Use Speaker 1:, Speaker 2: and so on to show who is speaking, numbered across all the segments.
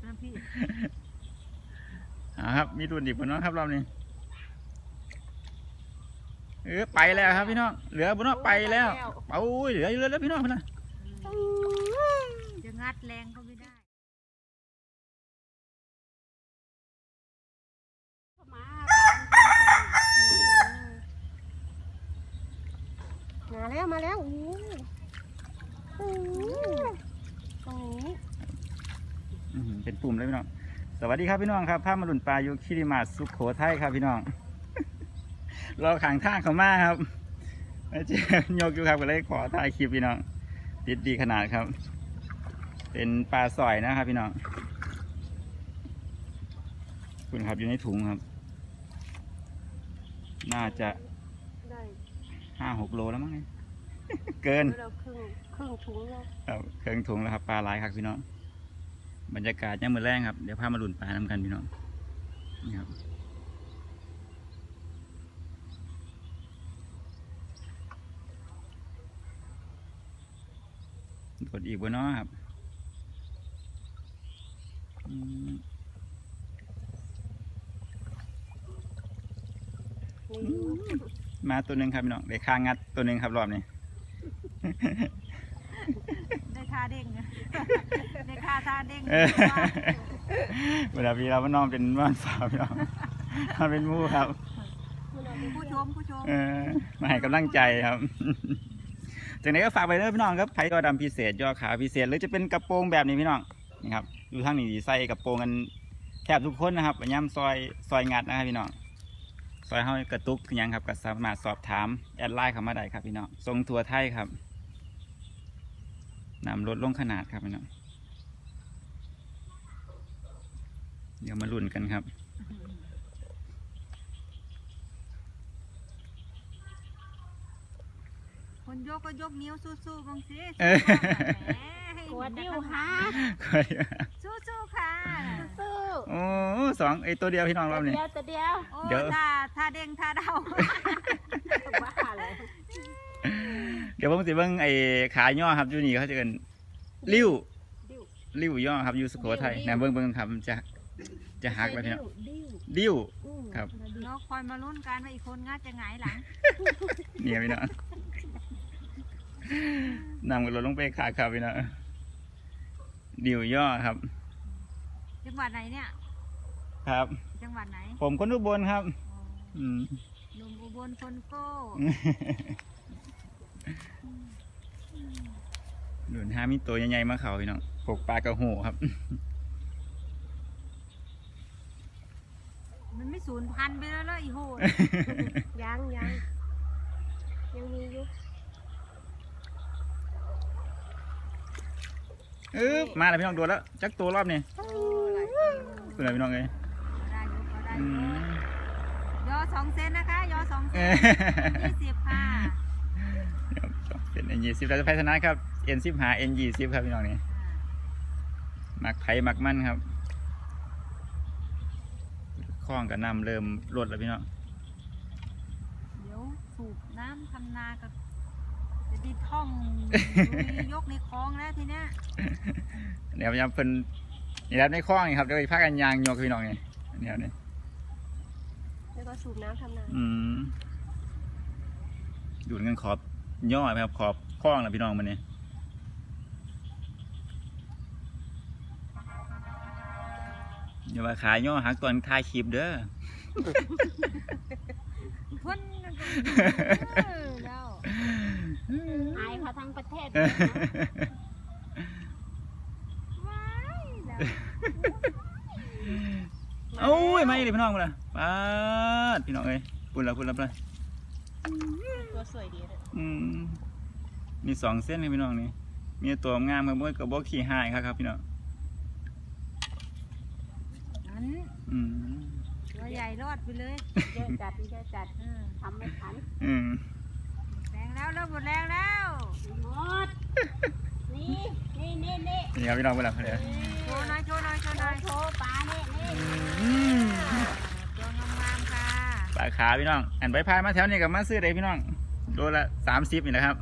Speaker 1: นะพี่
Speaker 2: ครับมีรุ่นอีกบนน้องครับรอบนี้ไปแล้วครับพี่น้องเหลือบนน้องไปแล้วโอ้ยเหลืออยู่แล้วพี่น้องพี่น้อง
Speaker 1: จะงัดแรงก็ไม่ได้
Speaker 3: มาแล้วอู้ตรงนี้
Speaker 2: เป็นปุ่มเลยพี่น้องสวัสดีครับพี่น้องครับภาพมาหลุนปลาอยู่คิริมาสุโขทัยครับพี่น้องรอขังท่าเขามาครับเจ๊ยกอยู่ครับก็เลยขอถ่ายคลิปพี่น้องติดดีขนาดครับเป็นปลาสอยนะครับพี่น้องคุณครับอยู่ในถุงครับน่าจะ5-6 โลแล้วมั้งเนี่ยเกิน
Speaker 3: ครึ่งถุงแล้ว
Speaker 2: ครับเครื่องถุงแล้วครับปลาหลายครับพี่น้องบรรยากาศยังมือแรงครับเดี๋ยวพามาหลุนปลาน้ำกันพี่น้องนี่ครับกดอีกบนน้อครับมาตัวหนึ่งครับพี่น้องได้ค่างัดตัวหนึ่งครับรอบนี้
Speaker 1: ได้ค่าเด้งได้ค่าท่าเด้ง
Speaker 2: เวลาพี่เราน้องเป็นบ้านสาวพี่น้องมาเป็นมู่ครับ
Speaker 1: ผู้ชม
Speaker 2: มาให้กำลังใจครับจากนี้ก็ฝากไปด้วยพี่น้องครับไผ่ยอดำพิเศษยอขาพิเศษหรือจะเป็นกระโปรงแบบนี้พี่น้องนี่ครับอยู่ทางนี้ใส่กระโปรงกันแทบทุกคนนะครับย่ำซอยงัดนะครับพี่น้องซอยเฮากระตุกยังครับก็สามารถสอบถามแอดไลน์เข้ามาได้ครับพี่น้องทรงทัวไทยครับนำลดลงขนาดครับพี่น้องเดี๋ยวมาลุ้นกันครับ
Speaker 1: คนยกก็ยกนิ้วสู้ๆบางสิ
Speaker 3: กดดิ้วฮะ
Speaker 1: สู้ๆค่ะ
Speaker 3: สู้
Speaker 2: โอ้2ตัวเดียวพี่น้องรอบนี้
Speaker 3: ตัวเดียว
Speaker 1: เดี๋ยวท่าเด้งท่าเดา
Speaker 3: บ้าเลย
Speaker 2: เดี๋ยวผมสิเบิ่งขาย่อครับอยู่นี่เขาจะเป็นริ้วย่อครับอยู่สุโขทัยนะเบิ่งครับจะหักไปพี่น้องดิ้วครับ
Speaker 1: น้องคอยมาลุ้นกันว่าอีกคนงัดจะหงายหลัง
Speaker 2: เนี่ยพี่น้องนำกันลงไปขาครับพี่น้องดิ้วย่อครับ
Speaker 1: จังหวัดไหนเนี่ย
Speaker 2: ครับ
Speaker 1: จังหวัดไหน
Speaker 2: ผมคนอุบลครับ
Speaker 1: หนุ่มอุบลคนโก้
Speaker 2: หลุนห้ามีตัวใหญ่ๆมาเขาพี่น้องปกปลากระหูครับ
Speaker 1: มันไม่สูญพันธุ์ไปแล้วเลยอีโหด
Speaker 3: ยังมีอยู่
Speaker 2: มาแล้วพี่น้องโดนแล้วจักตัวรอบนี้ตัวไหนพี่น้องเลย
Speaker 1: ได้ยอ2 เซนนะคะยอ2 เซน20ค่ะ
Speaker 2: เป็นN20เราจะพัฒนาครับ N10 หา N20ครับพี่น้องนี่หมักไผ่หมักมันครับคล้องกับน้ำเริ่มลดแล้วพี่น้อง
Speaker 1: เดี๋ยวสูบน้ำทำนากับจะดีท่องยกในคลองแล้วทีเนี้ย
Speaker 2: เดี๋ยวพยายามเพิ่นนี่ครับในคลองนี่ครับเดี๋ยวพากันยางโยกพี่น้องนี่นี่
Speaker 3: แล้วก็สูบน้ำทำนา
Speaker 2: ดูดเงินขอบย่อไหมครับขอบคล้องนะพี่น้องมันนี่อย่ามาขายย่อหักตอนถ่ายคลิปเด้อ
Speaker 1: พ่นแล้ว
Speaker 3: หายเขาทั้งประเทศ
Speaker 2: โอ้ยไม่เลยพี่น้องเลยป้าพี่น้องเอ้ยปุ่นละ
Speaker 3: ตัวสวยดีเลย
Speaker 2: มี2 เส้นเลยพี่น้องนี่มีตัวงามกับกระบอกขี่หายครับพี่น้อง
Speaker 1: ตัวใหญ่รอดไปเลย
Speaker 3: เยอะจัดทำไม่ทัน
Speaker 1: แรงแล้วหมดแรงแล้ว
Speaker 3: หมดนี่
Speaker 2: ครับพี่น้องเวลาเขาเนี่ย
Speaker 1: โชว์หน่อย
Speaker 3: โชว์ปลาเนี่ย
Speaker 1: ตัวงามๆค่ะ
Speaker 2: ปลาขาพี่น้องอันไปพายมาแถวนี้กับมาซื้อได้พี่น้องโลละ30นี่นะครับ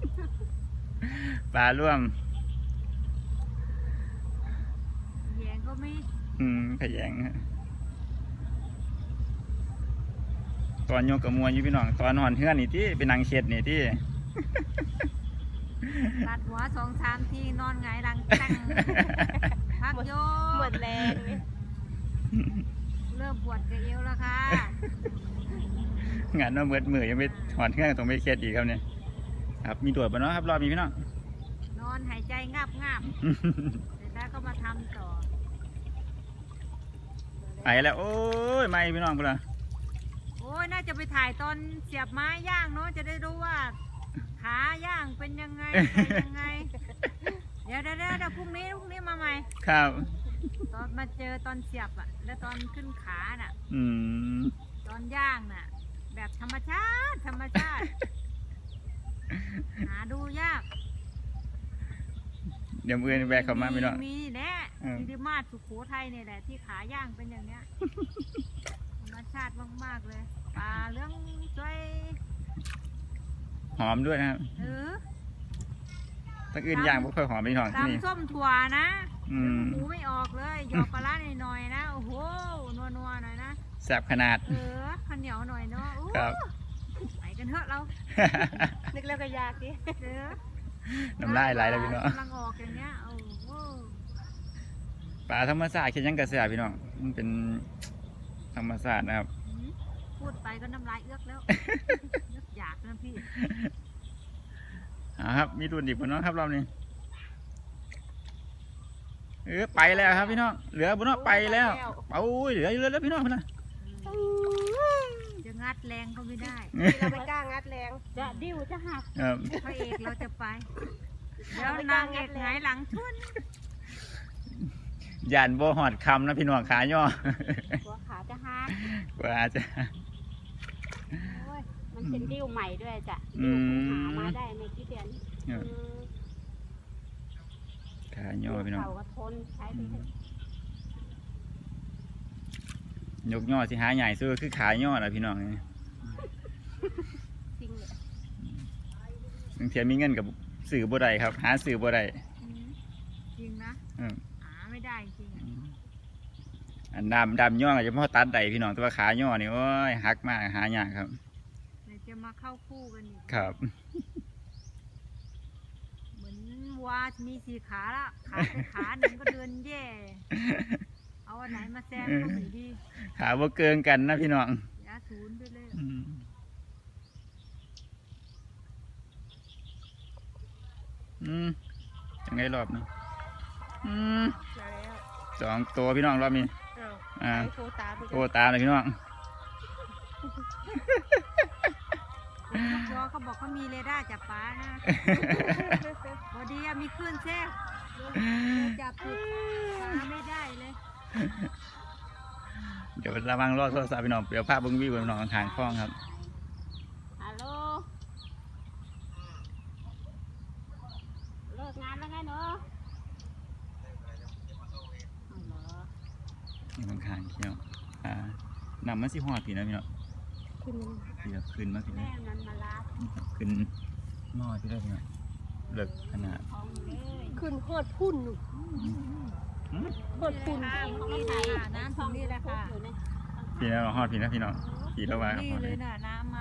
Speaker 2: ปลาร่วม
Speaker 1: แยงก็มี
Speaker 2: ขยงฮะตอนโยกกับมวยอยู่พี่น้องตอนหอนเฮือนนี่ที่เป็นนางเช็ดนี่ที่
Speaker 1: ตัดหัว2-3 ทีนอนหงายหลังตั้งพักโย
Speaker 3: หมดแรงเลย
Speaker 1: เริ่มปวดกระเอวแล้วค่ะ
Speaker 2: งานว่าเมือมือยังไม่หอนเฮือนตรงไม่เช็ดอีกครับเนี่ยครับมีตรวจปะเนาะครับรอบนี้พี่น้อง
Speaker 1: นอนหายใจงับเสร็จแล้วก็มาทำต่อ
Speaker 2: ไปแล้วโอ้ยไม่พี่น้องพุ่นละ
Speaker 1: โอ้ยน่าจะไปถ่ายตอนเสียบไม้ย่างเนาะจะได้รู้ว่า ขาย่างเป็นยังไงใส่ยังไง เดี๋ยวพรุ่งนี้มาใหม่
Speaker 2: ครับ
Speaker 1: ตอนมาเจอตอนเสียบอ่ะ แล้วตอนขึ้นขาน่ะ
Speaker 2: อืม
Speaker 1: ตอนย่างน่ะ แบบธรรมชาติ หาดูยาก
Speaker 2: เดี๋ยวมือแบกเข้ามาพี่น้อง
Speaker 1: มีแน่
Speaker 2: เออ
Speaker 1: ที่ดิมาศสุโขทัยเนี่ยแหละที่ขาย่างเป็นอย่างเนี้ย ธรรมชาติมากๆเลยปลาเรื่องช่วย
Speaker 2: หอมด้วยนะครับ
Speaker 1: เออ
Speaker 2: ตั้งอื่นย่างไม่ค่อยหอมพี่น้องที่นี่
Speaker 1: ตำส้มถั่วนะ
Speaker 2: อืม
Speaker 1: หมูไม่ออกเลยหยอกปลาร้าหน่อยๆนะโอ้โหนัวๆหน่อยนะ
Speaker 2: แซ่บขนาด
Speaker 1: เออข้าวเหนียวหน่อยเนาะอู้
Speaker 2: ครับ
Speaker 1: ไปกันเถอะเรา
Speaker 3: นึกแล้วก็ยากดิ
Speaker 1: เออ
Speaker 2: น้ำลายไหลแล้วพี่น้อง
Speaker 1: กำลังออกอย่างเงี้ยโอ้โห
Speaker 2: ปลาธรรมชาติคิดยังกระแสพี่น้องมันเป็นธรรมชาตินะครับ
Speaker 1: หืมพูดไปก็น้ำลายเอื้อกแล้วนึกอยากนะพี่
Speaker 2: ครับมีรุ่นดิบพี่น้องครับรอบนี้ไปแล้วครับพี่น้องเหลือพี่น้องไปแล้วโอ้ยเหลืออยู่แล้วพี่น้องพี่น้อง
Speaker 1: จะงัดแรงก็ไม่ได้
Speaker 3: เราไม่กล้างัดแรงจะดิ้วจะหัก
Speaker 2: ครับ
Speaker 1: พระเอกเราจะไปแล้วนางเอกหงายหลังชุน
Speaker 2: ย่านบ่หอดคำนะพี่น้องขาย่อ
Speaker 3: หัวขาจะหัก
Speaker 2: กว่าจะ
Speaker 3: โอ้ยมันเป็นดิ้วใหม่ด้วยจ้ะ
Speaker 2: อื
Speaker 3: ดิ้ว
Speaker 2: ม
Speaker 3: หามาได้ไม่กี่เดือน
Speaker 2: ครับ ขาย่อพี่น้อง
Speaker 3: เขาก็ทนใช้ไปเถอะ
Speaker 2: ยกย่อสิหาใหญ่ซื้อคือขาย่อนะพี่น้องนี่
Speaker 3: จริงเลย
Speaker 2: บางทีมีเงินกับสื่อบ่ได้ครับ หาสื่อบ่ได้
Speaker 1: อืมจริงนะ
Speaker 2: อืม
Speaker 1: หาไม่ได้จริงอะ
Speaker 2: อันดำย่อก็จะพอตัดได้พี่น้องแต่ว่าขาย่อนี่โอ้ยหักมากหายากครับ
Speaker 1: เดี๋ยวจะมาเข้าคู่กันอีก
Speaker 2: ครับ
Speaker 1: เหมือนวัวมี4 ขาละขาไปขาหนึ่งก็เดินแย่ เอาอันไหนมาแซมก็ไม่ดี
Speaker 2: ขาบ่เกินกันนะพี่น้อง
Speaker 1: ยาศูนย์ไปเลย
Speaker 2: ยังไงรอบนี้
Speaker 3: มาแล้ว
Speaker 2: 2 ตัวพี่น้องรอบนี้
Speaker 3: อ้าวไอ้โฟตาไป
Speaker 2: โอ้ตามเลยพี่น้อง
Speaker 1: นกยอเขาบอกเขามีเรดาร์จับปลานะ พอดีอะมีคลื่นแทรกจับผิดปลาไม่ได้เลย
Speaker 2: เดี๋ยวระวังรอดโทรศัพท์พี่น้องเดี๋ยวภาพเบิ้งวิวพี่น้องทางคล้องครับ
Speaker 3: ฮัลโหลเลิกงานแล้วไงเนาะเอาเหรอ
Speaker 2: นี่บางคางพี่น้องนำมันสิหอดพี่นะพี่น้อง
Speaker 3: ขึ้น
Speaker 2: พี่แบบขึ้นมาพี่
Speaker 3: แม่
Speaker 2: นะ
Speaker 3: มันมาลา
Speaker 2: ขึ้นหม้อพี่ได้พี่น้องเลิกขนาด
Speaker 3: ท้องเลย
Speaker 4: ขึ้นฮอดพุ่นหนู
Speaker 3: โคตรคุณ
Speaker 1: นี่เลยค่ะน้ำถึงนี่แหละค่ะ
Speaker 2: พี่นะหอดพี่นะพี่น้องพี่แล้วว่า
Speaker 1: นี่
Speaker 2: หอด
Speaker 1: เล
Speaker 2: เลย ย
Speaker 1: น่ะน้ำมา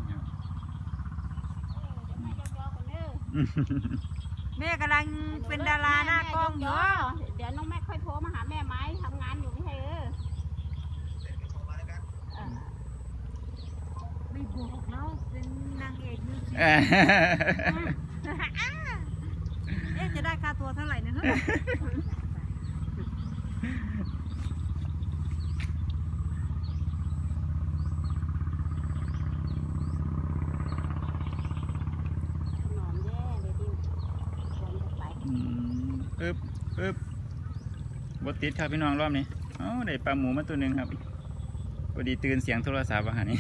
Speaker 1: แม่กำลังเป็นดาราหน้ากล้องอยู่
Speaker 3: เดี๋ยวน้องแม่ค่อยโทรมาหาแม่ไหมทำงานอยู่ไม่ใช่
Speaker 1: ไม่บอกเนาะเป็นนางเอกมิวสิก
Speaker 2: เอ้ย
Speaker 1: เอ๊ะจะได้ค่าตัวเท่าไหร่นะเฮ้ย
Speaker 3: นอนแย่เลยดิควรจะไป
Speaker 2: ปึ๊บปึ๊บติดครับพี่น้องรอบนี้ได้ปลาหมูมาตัวหนึ่งครับพอดีตื่นเสียงโทรศัพท์อาหารนี้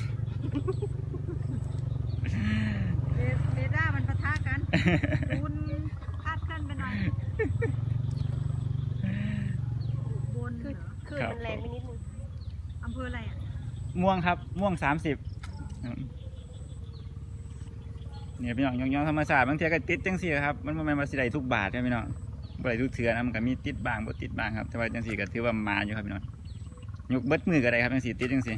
Speaker 1: เรดาร์มันปะทะกันคุณคาดเคลื่อนไปหน่อยบนเหรอ
Speaker 4: คือมันแรงไปนิดนึง
Speaker 1: อำเภออะไรอ่ะ
Speaker 2: ม่วงครับม่วง30เนี่ยพี่น้องยองๆธรรมศาสตร์บางทีก็ติดจังสิครับมันบ่แม่นว่าสิได้ทุกบาทครับพี่น้องบ่ได้ทุกเทื่อนะมันก็มีติดบ้างบ่ติดบ้างครับแต่ว่าจังซี่ก็ถือว่ามาอยู่ครับพี่น้องยกเบิดมือก็ได้ครับจังซี่ติดจังซี่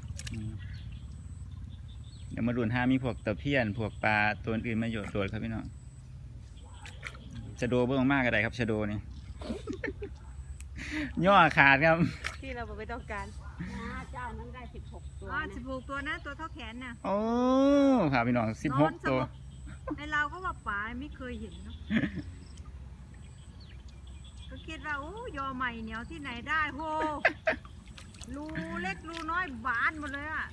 Speaker 2: เดี๋ยวมาลุ้นหามีพวกตะเพียนพวกปลาตัวอื่นมาโยดโดดครับพี่น้องชะโดเบิ่งมากก็ได้ครับชะโดนี่ ย่อขาดครับ
Speaker 4: ที่เราไม่ต้องการ
Speaker 3: เจ้านั้นได้16 ตัว
Speaker 1: อ๋อ
Speaker 3: นะ
Speaker 1: 16 ตัวนะตัวเท่าแขนน่ะ
Speaker 2: โอ้ครับพี่น้อง16 ตัว
Speaker 1: ในเราก็ว่าป๋าไม่เคยเห็นเนาะ ก็คิดว่าโอ้ยอใหม่เหนียวที่ไหนได้โหรูเล็กรูน้อยบานหมดเลยอ่ะ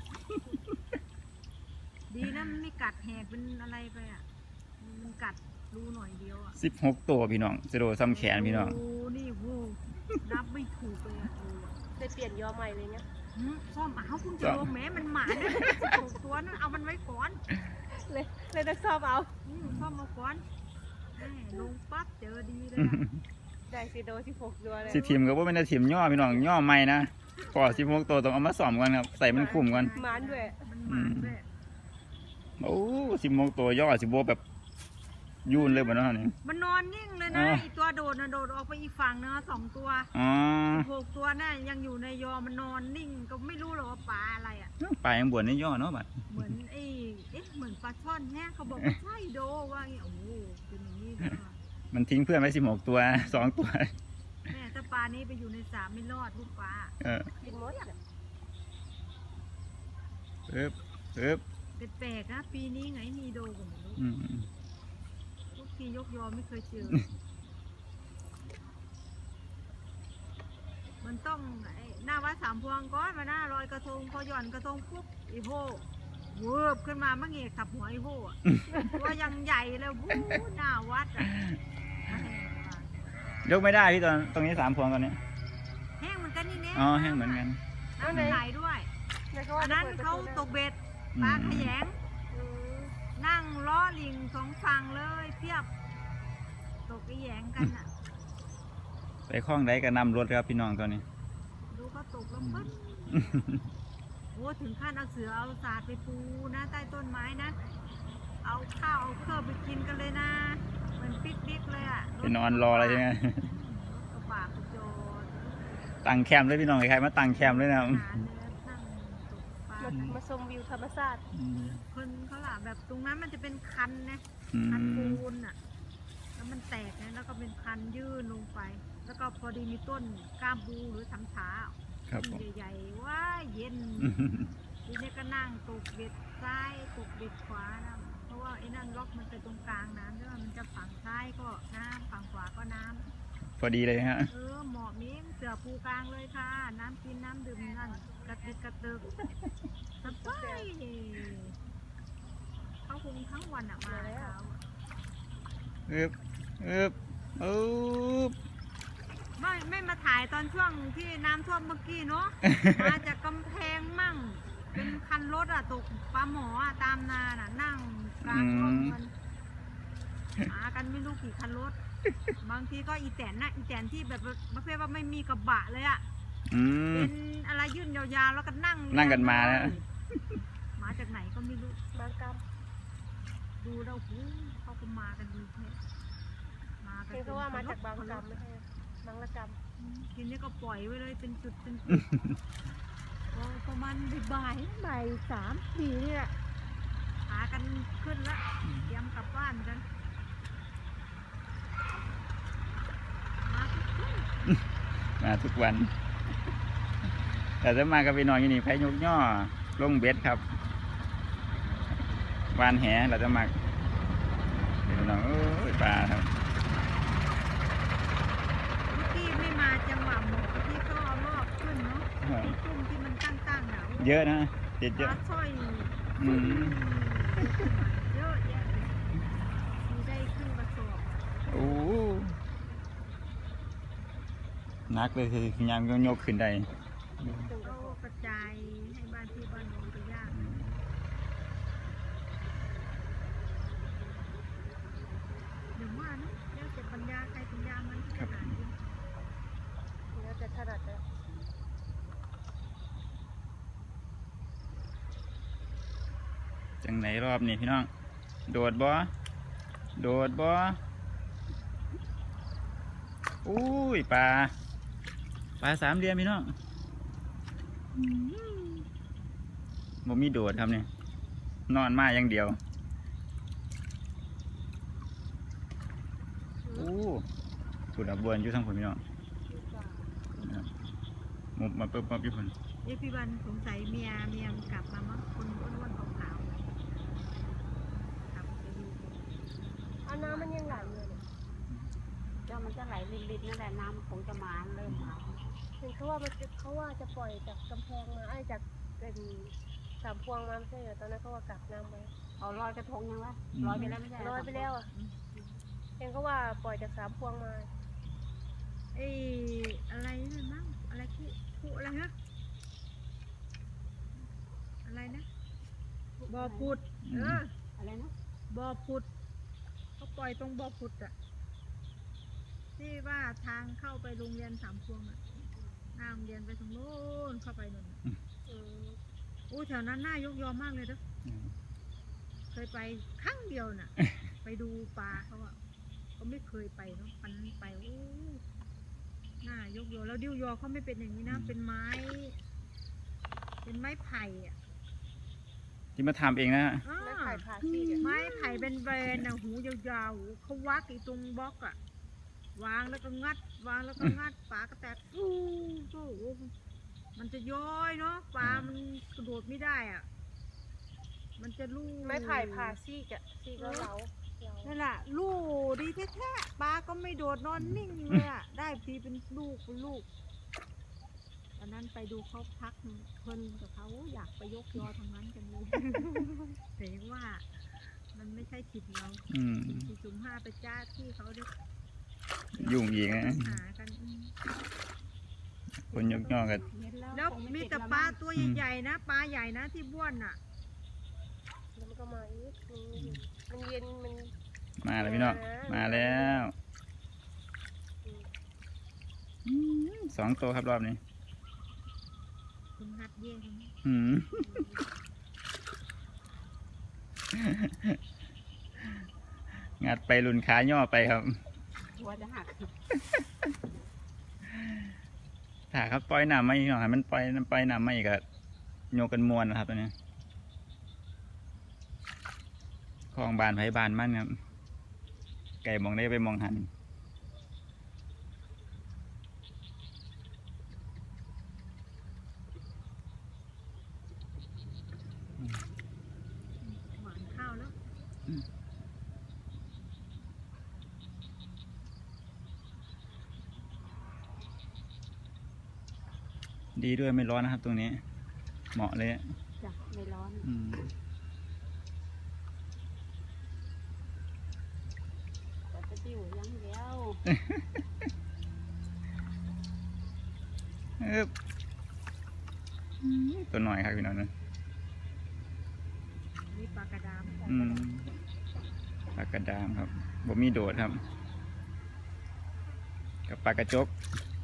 Speaker 1: ดีนะมันไม่กัดแหกเป็นอะไรไปอ่ะ มันกัดรูหน่อยเดียวอ่ะ
Speaker 2: 16 ตัวพี่น้องชะโดซ้ำแขนพี่น้อง
Speaker 1: โอ้นี่โหนับไม่ถูกเลยอ่ะรูอะ
Speaker 4: ได้เปลี่ยนยอใหม่เลยเนี่ย
Speaker 1: ซ่อมเอาคุณจะลงแม้มันหมานะ16 ตัวนั้นเอามันไว้ก่อน
Speaker 4: เลยต้องซ่อมเอา
Speaker 1: ซ่อมมาก่อนแม่ลงปั๊บเจอดีเลยอะ
Speaker 4: ได้ซีโด16 ตัวเลย
Speaker 2: สิทีมก็บ่แม่นแต่ทีมย่อพี่น้องย่อใหม่นะพอ16 ตัวต้องเอามาซ่อมก่อนครับใส่มันคุ้มก่อน
Speaker 4: หมานด้วย
Speaker 1: มันหมาด้วย
Speaker 2: โอ้16 ตัวย่อสิบ่แบบยุ่นเลยบ่เนาะนี่
Speaker 1: มันนอนนิ่งเลยนะอีตัวโดดนะโดดออกไปอีกฝั่งเนาะ2 ตัว
Speaker 2: อ๋อ
Speaker 1: 6 ตัวน่ะยังอยู่ในยอมันนอนนิ่งก็ไม่รู้หรอกว่าปลาอะไรอ่ะ
Speaker 2: ปลายังบวนนี่ย่อเนาะบัด
Speaker 1: เหมือนเหมือนปลาช่อนแน่เขาบอกว่าใช่โดว่าอย่างเงี้ยโอ้โหเป็นอย่างนี้เลยว่ะ
Speaker 2: มันทิ้งเพื่อนไว้16 ตัว 2 ตัว
Speaker 1: แม่ถ้าปลานี้ไปอยู่ในสระไม่รอดลูกปลา
Speaker 2: เออ
Speaker 4: กินหมดอะ
Speaker 2: ปึ๊บปึ๊บ
Speaker 1: แปลกๆนะปีนี้ไงมีโดกันไม่รู้
Speaker 2: อืม
Speaker 1: ทุกทียกยอไม่เคยเจอ มันต้องหน้าวัดสามพวงก้อนมาหน้าลอยกระทงพอหย่อนกระทงปุ๊บอีโพเวิบขึ้นมามั่งเอกขับหัวอีโพอะตัวยังใหญ่เลยวู้หน้าวัดอ่ะ
Speaker 2: ยกไม่ได้พี่ตรงนี้3 พวงตอนนี้
Speaker 1: แห้งเหมือนกันนี่เนี่ย
Speaker 2: อ๋อแห้งเหมือนกัน
Speaker 1: น้ำมันไหลด้วย อันนั้นเขาตกเบ็ดปลาขยง นั่งล้อลิงสองฝั่งเลยเพียบ ตกขยงกันอ่ะ
Speaker 2: ไปคล้องได้ก็นำรถครับพี่น้องตอนนี้
Speaker 1: ดูเขาตกแล้วปึ๊บโอ้ถึงขั้นเอาเสือเอาสาดไปปูนะใต้ต้นไม้นะ เอาข้าวเอาเครื่องไปกินกันเลยนะเหมือนปิกนิกเลยอ่ะ
Speaker 2: ไปนอนรออะไรใช่ไหม
Speaker 1: รถกระบะกระโจน
Speaker 2: ตั้งแคมป์เลยพี่น้องใครมาตั้งแคมป์เลยนะครับ
Speaker 1: หาเนื้อนั่งตกปลา
Speaker 4: มาชมวิวธรรมชาติ
Speaker 1: คนเขาล่ะแบบตรงนั้นมันจะเป็นคันนะ
Speaker 2: อื
Speaker 1: คัน
Speaker 2: ม
Speaker 1: ปูนอ่ะ แล้วมันแตกนะแล้วก็เป็นคันยื่นลงไป แล้วก็พอดีมีต้นก้ามปูหรือสำฉา
Speaker 2: ครับผม
Speaker 1: ใหญ่ๆว้าเย็นทีนี้ก็นั่งตกเบ็ดซ้ายตกเบ็ดขวานะเพราะว่าไอ้นั่นล็อกมันไปตรงกลางน้ำใช่ไหมมันจะฝั่งซ้ายก็น้ำฝั่งขวาก็น้ำ
Speaker 2: พอดีเลยฮะ
Speaker 1: เหมาะมิ้งเสือปูกลางเลยค่ะ น้ำกินน้ำดื่มนั่นกระติกกระเติกสบายเขาคงทั้งวันอ่ะมาเช้าอะ
Speaker 2: อึบอึบอึบ
Speaker 1: ไม่มาถ่ายตอนช่วงที่น้ำท่วมเมื่อกี้เนาะ มาจากกำแพงมั่ง เป็นคันรถอ่ะตกปลาหมออ่ะตามนาน่ะนั่งกลางร่มกันหากันไม่รู้กี่คันรถ บางทีก็อีแตนนะอีแตนที่แบบประเภทว่าไม่มีกระบะเลยอ่ะ
Speaker 2: อืม
Speaker 1: เป็นอะไรยื่นยาวๆแล้วก็นั่ง
Speaker 2: นั่งกันมานะ
Speaker 1: มาจากไหนก็ไม่รู้
Speaker 4: บางกรรม
Speaker 1: ดูแล้วหูเขาก็มากันดีแท้มากัน
Speaker 4: เห็นเขาว่ามาจากบางกรรมไม่ใช่บางละกรรม
Speaker 1: ทีนี้ก็ปล่อยไว้เลยเป็นจุดเป็นจุด พอประมาณบ่าย3-4นี่แหละหากันขึ้นแล้วเตรียมกลับบ้านกันมาทุกคน
Speaker 2: มาทุกวัน แต่จะมากับพี่น้องอยู่นี่ไผยกย่อลงเบ็ดครับวานแหเราจะมาพี่น้องเอ้ยปลาครับ
Speaker 1: เมื่อกี้ไม่มาจังหวะหมอที่เขาเอารอบขึ้นเนาะที่กุ้งที่มันตั้งๆอ่ะ
Speaker 2: เยอะนะติดเย
Speaker 1: ป
Speaker 2: อะ
Speaker 1: ลาสร้อย
Speaker 2: อืม
Speaker 1: เยอะแยะเลยมีได้ครึ่งกระสอบ
Speaker 2: โอ้หนักเลยคือยามยกขึ้นได้
Speaker 1: เขากระจายให้บ้านที่บ้านโน้นไปย่างเดี๋ยวว่านะแล้วแต่ปัญญาใครปัญญามันขนาดนี้
Speaker 4: แล้วแต่ถนัดเลย
Speaker 2: จังไหนรอบนี้พี่น้อง โดดบ่โดดบ่อุ้ยปลาสามเหลี่ยมพี่น้องบ่มีโดดครับเนี่ยนอนมาอย่างเดียวโอ้สุดอับบวนอยู่ทั้งผลพี่น้องมุบมาปุ๊บมาพี่ผล
Speaker 1: เอ้พี่วันสงสัยเมียมันกลับมามั้งคนอ้วนๆขาวๆกลับไปดู
Speaker 4: เอาน้ำมันยังไหลอยู่เลย
Speaker 3: เจ้ามันจะไหลลิดๆนั่นแหละน้ำคงจะมาเริ่มมา
Speaker 4: เห็นเขาว่าจะปล่อยจากกำแพงมาจากเป็นสามพวงมาไม่ใช่เหรอตอนนั้นเขาว่ากลับน้ำไป
Speaker 3: เอาลอยกระทงยังวะลอยไปแล้วไม่ใช่
Speaker 4: ลอยไปแล้วอ่ะเห็นเขาว่าปล่อยจากสามพวงมา
Speaker 1: เอ้อะไรนั่นมั้งอะไรคู่อะไรฮะอะไรนะบ่อพุด
Speaker 3: อะไรนะ
Speaker 1: บ่อพุดเขาปล่อยตรงบ่อพุดอะที่ว่าทางเข้าไปโรงเรียนสามพวงอะหน้าโรงเรียนไปตรงโน้นเข้าไปนู่นน่ะอู้แถวนั้นน่ายกยอมากเลยเด้อเคยไปครั้งเดียวน่ะ ไปดูปลาเขาอะก็ไม่เคยไปเนาะปันนั้นไปโอ้น่ายกยอแล้วดิ้วยอเขาไม่เป็นอย่างนี้นะเป็นไม้ไผ่อะ
Speaker 2: ที่มาทำเองนะฮะ
Speaker 1: อ้า
Speaker 4: ไม้ไผ่ผ่าซี่
Speaker 1: ไม้ไผ่เป็นแบรนด์นะหูยาวๆเขาวักอีตรงบล็อกอะวางแล้วก็งัดวางแล้วก็งัดปลาก็แตกอู้มันจะย้อยเนาะปลามันกระโดดไม่ได้อะมันจะลู่
Speaker 4: ไม้ไผ่ผ่าซี่กะซี่ก็เหลา
Speaker 1: นั่นแหละลู่ดีแท้ๆปลาก็ไม่โดดนอนนิ่งเลยอะได้ทีเป็นลูกตอนนั้นไปดูเขาพักเพลินกับเขาอยากไปยกยอทางนั้นกันเลย แต่ว่ามันไม่ใช่ถิ่นเรา จุ่มห้าไปจ้าที่เขาด้วย
Speaker 2: ยุ่งอีกนะ
Speaker 1: หากัน
Speaker 2: คนยกย่อกัน
Speaker 1: แล้วมีแต่ปลาตัวใหญ่ๆนะปลาใหญ่นะที่บ้วนน่ะ
Speaker 4: แล้วมันก็มาอีกมันเย็นมัน
Speaker 2: มาแล้วพี่น้องมาแล้ว2 ตัวครับรอบนี้
Speaker 1: คุณนัดเย่ง
Speaker 2: งัดไปลุนขาย่อไปครับ
Speaker 3: หัวจะหัก
Speaker 2: ถ้าครับปล่อยน้ำไม่หน่อยมันปล่อยน้ำไม่ก็โยกกันมวนนะครับตัวนี้คลองบานไผ่บานมั่นครับไก่มองได้ไปมองหัน
Speaker 1: หวานข้าวแล้ว
Speaker 2: ดีด้วยไม่ร้อนนะครับตรงนี้ เหมาะเลย
Speaker 3: จ้ะไม่ร้อน แต่จะติ้วยังเดียว
Speaker 2: ตัวหน่อยครับพี่น้องนะ
Speaker 1: นี่ปลากระดาม
Speaker 2: ปลากระดามครับบ่มีโดดครับ กับปลากระจก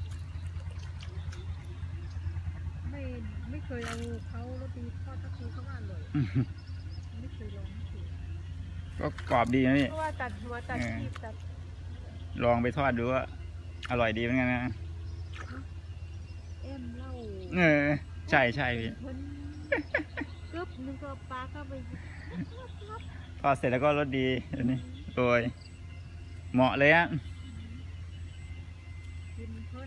Speaker 1: ไม่เคยเอาเขาโรตีทอดตะคูเขาว่าอร่อยไม่เคยลองสิ
Speaker 2: ก็กรอบดีนะพี่
Speaker 4: เพราะว่าตัดหัวตัดชีพตัด
Speaker 2: ลองไปทอดดูว่าอร่อยดีเหมือนกันนะ
Speaker 1: เอ็มเล่า
Speaker 2: ใช่พี่
Speaker 1: เพิ่นกึบนึงก็ปลาก็ไป
Speaker 2: ทอดเสร็จแล้วก็รสดีอันนี้โดยเหมาะเลยอ่ะ
Speaker 1: กินเพิ่น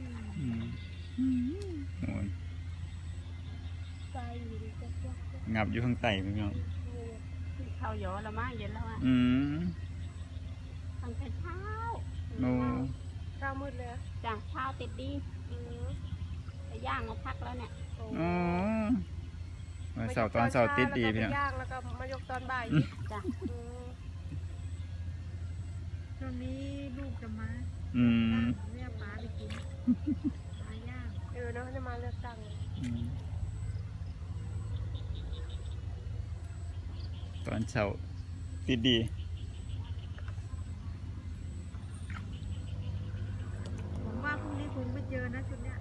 Speaker 2: โอ้ย
Speaker 4: ใจอยู่ดีก็
Speaker 2: งับอยู่ข้างใต้พี่น้อง
Speaker 3: ข้าวหยอละมั้งเย็นแล้วอ่ะ
Speaker 2: ตั้
Speaker 3: ตั้งแต่เช้า
Speaker 2: โอ้
Speaker 4: เช้ามืดเลย
Speaker 3: จ้ะเช้าติดดีไปย่างมาพักแล้วเนี่ย
Speaker 2: อ๋อวันเสาร์ตอนเสาร์ติดดีพี่น้อง
Speaker 4: ย่างแล้วก็มายกตอนบ่าย
Speaker 3: จ้ะ
Speaker 1: ช่วงนี้ลูกจะมา เรียกปลาไปกินปลาย่าง
Speaker 4: เนาะจะมาเลือกตั้ง
Speaker 2: ตอนเช้าติดดี
Speaker 1: ผมว่าพรุ่งนี้คงไม่เจอนะชุดเนี้ย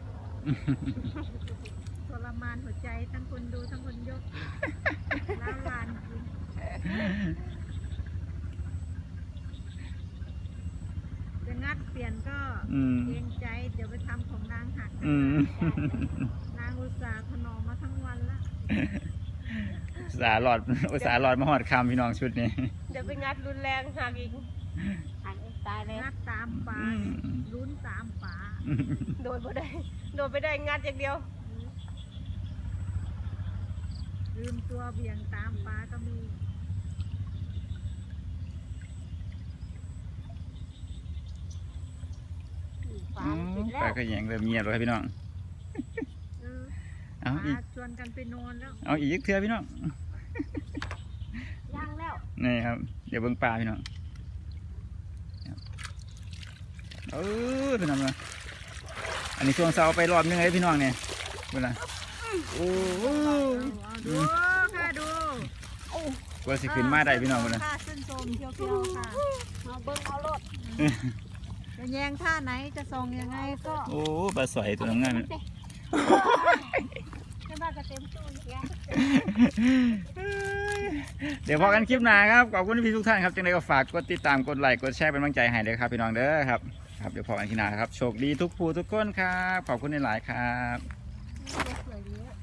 Speaker 1: ทรมานหัวใจทั้งคนดูทั้งคนยกล้าวลานจริงจะงัดงัดเปลี่ยนก็
Speaker 2: อืม
Speaker 1: เกรงใจเดี๋ยวไปทำของนางหัก
Speaker 2: อืม
Speaker 1: นางอุตส่าห์ถนอมมาทั้งวันละ
Speaker 2: อุตสาห์หลอดมาหอดคำพี่น้องชุดนี้
Speaker 4: เดี๋ยวไปงัดรุนแรงหักอีก
Speaker 3: หันเองตายเลย
Speaker 1: งัดตามป่า
Speaker 2: อืม
Speaker 1: ลุ้นตามป่า
Speaker 4: โดนไม่ได้โดนไม่ได้งัดอย่างเดียว
Speaker 1: ลืมตัวเบี่ยงตามป่าก็มี
Speaker 3: ฟ้ามันปิดแล้
Speaker 2: ปลาว กระแยงเริ่มเงียบแล้วครับพี่น้อง
Speaker 1: เออ
Speaker 2: เอาอีก
Speaker 1: ป่าชวนกันไปนอนแล้ว
Speaker 2: เอาอีกเทื่อพี่น้อง
Speaker 3: ย่างแล้ว
Speaker 2: นี่ครับ เดี๋ยวเบิ่งปลาพี่น้องครับพี่น้องมาอันนี้ช่วงเสาร์ไปรอบนึงเลยพี่น้องเนี่ยเวลาโอ้โห
Speaker 1: เอาดูค่ะดู
Speaker 2: กว่าสิขึ้นมาได้พี่น้องเวลา
Speaker 1: ค่ะเส้นโซมเขียวๆค่ะ
Speaker 3: เอาเบิ้งเอารถ
Speaker 1: จะแยงท่าไหนจะส่องยังไงก็
Speaker 2: โอ้ปลาสวยตัวน้ำงาม
Speaker 4: ไม่ว่าจะเต็มตู้ไง
Speaker 2: เดี๋ยวพอกันคลิปหน้าครับขอบคุณพี่ทุกท่านครับจังไดก็ฝากกดติดตามกดไลค์กดแชร์เป็นกำลังใจให้เลยครับพี่น้องเด้อครับเดี๋ยวพอกันคลิปหน้าครับโชคดีทุกผู้ทุกคนครับขอบคุณหลายๆครับ
Speaker 4: สวยดีอะ